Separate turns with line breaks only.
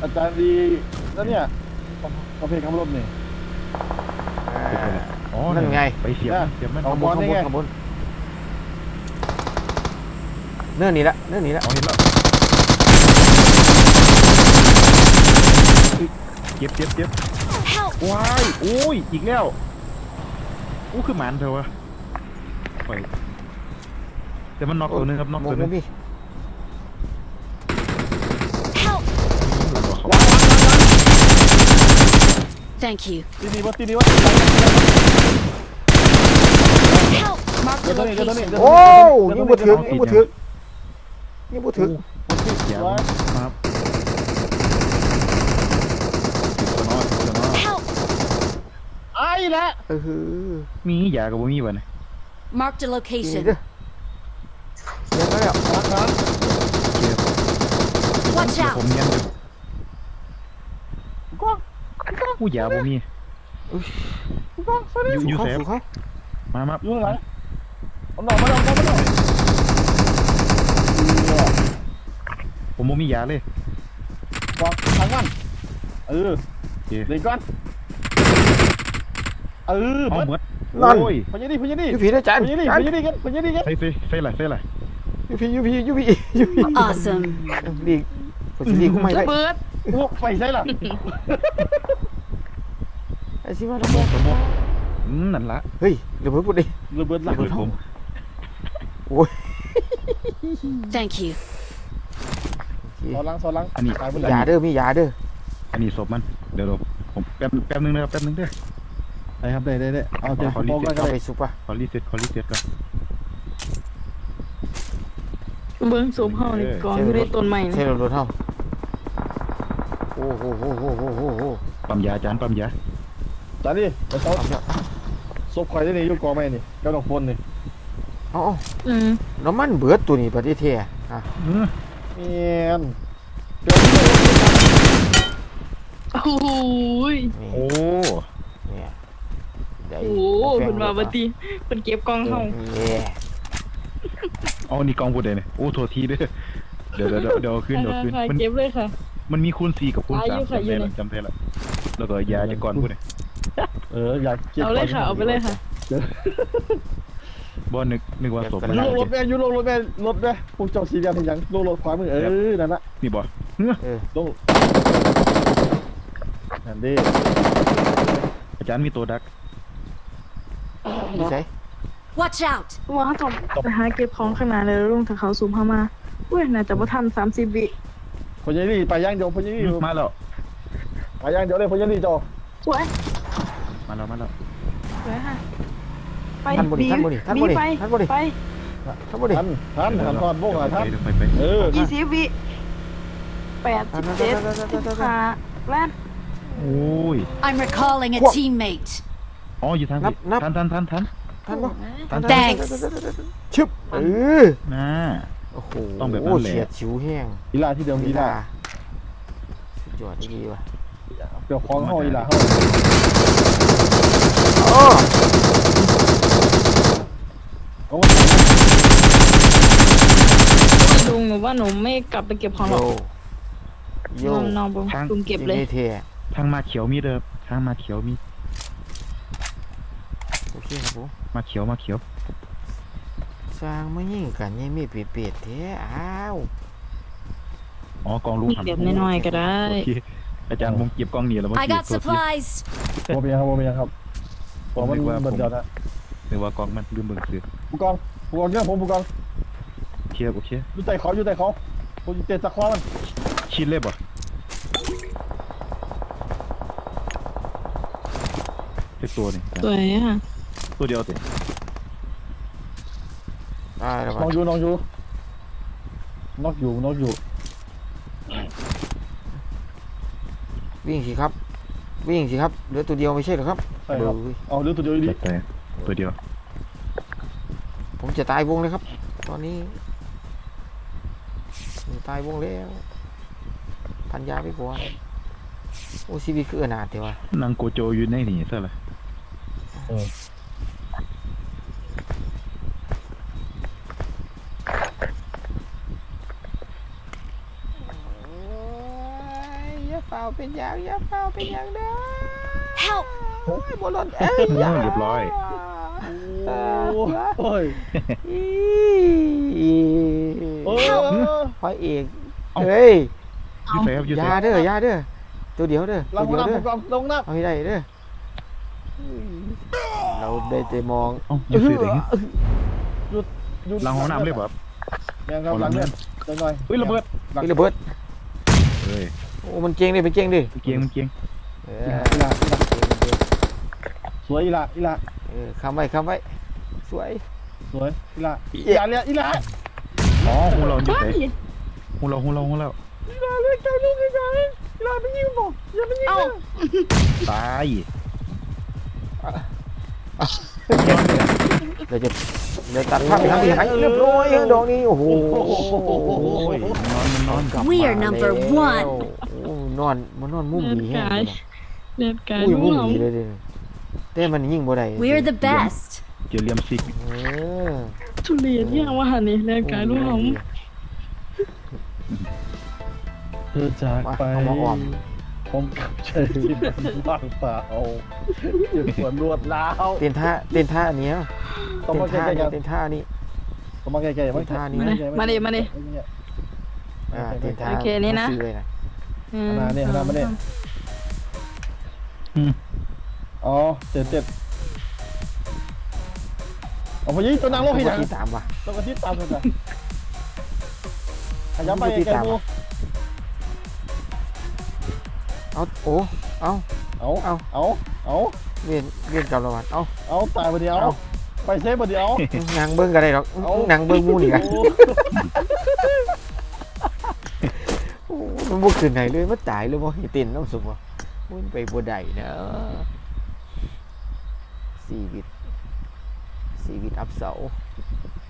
อาจารย์ดีแล้วเนี่ยประเภทขับรถนี่
อ๋อนั่นไงไปเสียบมัน
เอาบอลได้ไง
เนื่อนี่ละเนื่อนี่ละเห็นแล้วเจ็บว้ายโอ้ยอีกแล้วอู้คือหมันเถอะวะไปแต่มันน็อกตัวนึงครับน็อกตัวนึง
Thank you.
ตีดีวะ
Help! Mark the location.
โอ้ยังบ่ถึงครับ
ไอ้ละ
มียากับบ่มีวะเนี่ย
Mark the location.
ยังแล้ว
Watch
ผม
out!
ยังผู้ยาบ่มีอยู่เซฟมา
อยู่ไหนเอาหน่อมา
ผมบ่มียาเลย
บอกทางมันเด็กก่อน
เอาหมด
นั่นพญาดี
ยูพีได้จาน
พญาดีกัน
ใส่ไรยูพี
Awesome.
ดีดีกูไม่ได้
เบิร์ดพวกไฟใช่หรอ
ไอ้สิว่าระเบิดนั่นละเฮ้ยระเบิดพูดดิ
ระเบิด
ผม โอ้ย
Thank you.
ซอลัง
อันนี้ยาเด้อมียาเด้ออันนี้ศพมันเดี๋ยวผมแป๊บนึงนะครับแป๊บนึงเด้อ
ได้ครับได้เอาเดี๋ยวขอ
ไปซุปป่ะขอรีเซ็ตก่อน
เบิ้งสูบเฮานี่กองอยู่ในต้นไม้
ใช่รถเฮาโอ้โหปั๊มยาจานปั๊มยา
จานนี่ไปเซาศพใครได้นี่อยู่กองไม้นี่เจ้าดอกพลนี่
อ๋อน้ำมันเบิดตัวนี้ประเทศเท่อะ
เมียน
โอ้ย
โอ้
เนี่ยโอ้เป็นมาบัดนี้เป็นเก็บกองเฮา
เอานี่กองพูดเลยเนี่ยโอ้โทษทีเด้อเดี๋ยวขึ้น
มันเก็บเลยค่ะ
มันมีคูณ4กับคูณ3จำได้แล้วแล้วก็ยาจะก่อนพูดเลย
อยาก
เอาเลยค่ะเอาไปเลยค่ะ
บ่นึกว่าศพมัน
ลงรถแม่ยุลงรถแม่พวกเจ้าสีแดงเป็นยังลงรถขวามือนั่นละ
นี่บ่
ลงนั่นดิ
อาจารย์มีตัวดักนี่ใช่
Watch out!
ว่าเขาต้องไปหาเก็บของข้างหน้าเลยลงถ้าเขาซูมเข้ามาอุ้ยน่าจะบ่ทัน30 วิ
พญานี่ไปย่างเดียวพญานี่
มาแล้ว
ไปย่างเดียวเลยพญานี่จอ
สวย
มาแล้ว
สวยค่ะไป
ท่านบ่ดิไป
ทันทอดโบกอ่ะท่าน
20 วิ87 15แล่น
โอ้ย
I'm recalling a teammate.
อ๋ออยู่ทางทันบ่
Thanks.
ชึบน่าโอ้โหต้องแบบนั้นแหละเฉียดฉิวแห้ง
อีลาที่เดิมอีลา
สุดยอดดีว่ะ
เดี๋ยวคล้องห้อยอีลา
ลุงหนูว่าหนูไม่กลับไปเก็บของหรอกนอนบนลุงเก็บเลย
ทางมาเขียวมีเด้อทางมาเขียวมีโอเคครับผมมาเขียวสร้างไม่ยิ่งกันยังมีเปียดแท้อ้าวอ๋อกองลูก
เก็บน้อยๆก็ได้
อาจารย์ผมเก็บกองนี่แล้ว
I got supplies.
โมเบียครับผมมันเบิดยอดนะ
หรือว่ากองมันลืมเบิ่งซื้อ
ผู้กองเนี่ยผมผู้กอง
เชียร์โอเค
อยู่ใต้เขาผมเตะตะคอมัน
ชินเลยบ่เป็นตัวนี่
สวยค่ะ
ตัวเดียวสิ
น้องอยู่น็อกอยู่
วิ่งสิครับเหลือตัวเดียวไม่ใช่หรอครับ
เอาเหลือตัวเดียวดิ
ตัวเดียวผมจะตายวงเลยครับตอนนี้ตายวงแล้วพันยาไปก่อนโอ้ชีวิตคืออนาถเดียวนางโกโจอยู่ในนี่ซะเลย
เฝ้าเป็นอย่างอย่าเฝ้าเป็นอย่างเด้อ
Help!
โอ้ยบ่หล่นเอ้ย
เรียบร้อย
โอ้ย โอ้ย
พระเอก
เอ้า
เฮ้ย
ยูเซฟยู
อ
เซ
ยา
ฟ
เด้ออยาเด้อตัวเดียวเด้อ
ล
ตัว
ง
เดียว
น้ำ
เด้อ
ลงน้
เอาให้ได้เด้อเราได้แต่มอง
เอ้ายูเซฟเอง
ำยุด
หลังห้องน้ำเลยแบบ
ยังครับหลังเนี่ยเดินหน่อย
เฮ้ยระเบิด
นี่ระเบิด
เฮ้ย
โอ้มันเก่งดิมันเก่งดิ
มันเกียงมันเกียง
เอ
อีละสวยอีละอีละ
คำไว้สวย
สวยอีละอีละเนี่ยอีละ
อ๋อหูเรายู
บ้า
เซฟ
น
หูเรา
อีละเล็กใจลูกอีละอีละไม่ยิงบอกอย่าไม่ยิง
เอ้า
ตาย
เดี๋ยวตัดภาพไปทางที่ไหนเรียบร้อยดอกนี้โอ้โห
โอ้ยนอน
กลับ
We
มา
are number
แล้ว
one
โอ้นอนมันนอนมุมดีแฮะ
เลือดกาย
อุ้ย
ลู
มุ
ก
ม
หอม
ดีเลยเด้อแต่มันยิงบ่ได้
We're the best.
เจอเลียมซิก
เออ
ทุเรียนยังว่าหันนี่เลือดกายลูกหอม
เธอจาก
มา
ไป
เอามาออม
ผมกับเชยที่มันว่างเปล่าจุดหัวรวดล้าว
เต้นท่าอันเนี้ย
ต้องมาใกล้ๆกัน
เต้นท่านี้
ต้องมาใกล้ๆ
ท่านี้
มาดิ
เต้นท่า
โอเคนี่นะ
ซื้อเลยนะ
มาเนี่ยมาเนี่ยอ๋อเจ็ดเอาพอยี่ตัวนางโลกให้ยัง
ที่ตามว่ะ
ต้องกระติดตามกันขยับไปไกลๆมู
เอาโอ้เอา
เอา
เวียนกับระวังเอา
ตายไปเดียวไปเซฟไปเดียวน
างเบิ้งกันได้หรอกนางเบิ้งมูนี่กันมันบุกขึ้นไหนเลยมันตายเลยบ่ให้เต้นน้ำสุกบ่มันไปบ่ได้นะชีวิตอับเสา